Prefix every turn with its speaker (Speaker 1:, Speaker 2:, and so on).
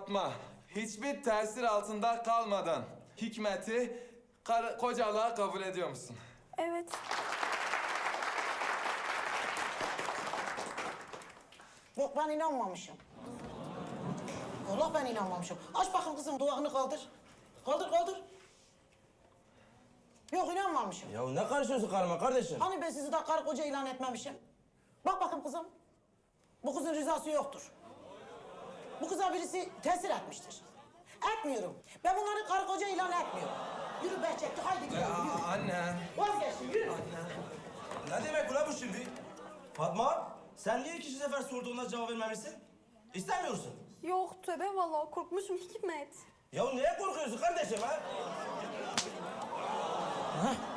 Speaker 1: Fatma, hiçbir tesir altında kalmadan Hikmet'i kocalığa kabul ediyor musun?
Speaker 2: Evet.
Speaker 3: Yok ben inanmamışım. Allah ben inanmamışım. Aç bakın kızım duvağını kaldır. Kaldır kaldır. Yok inanmamışım.
Speaker 4: Ya ne karışıyorsun karıma kardeşim?
Speaker 3: Hani ben sizi de karı koca ilan etmemişim? Bak bakın kızım. Bu kızın rızası yoktur. Bu kıza birisi tesir etmiştir. Etmiyorum. Ben bunları karı koca ilan etmiyorum. Yürü Behçetli haydi gidelim yürü.
Speaker 1: Anne.
Speaker 3: Vazgeçtim yürü.
Speaker 4: Ne demek ulan bu şimdi? Fatma, sen niye ikinci sefer sorduğuna cevap vermemişsin? İstemiyorsun.
Speaker 2: Yok tövbe vallahi korkmuşum Hikmet.
Speaker 4: Ya neye korkuyorsun kardeşim ha?
Speaker 3: Hah.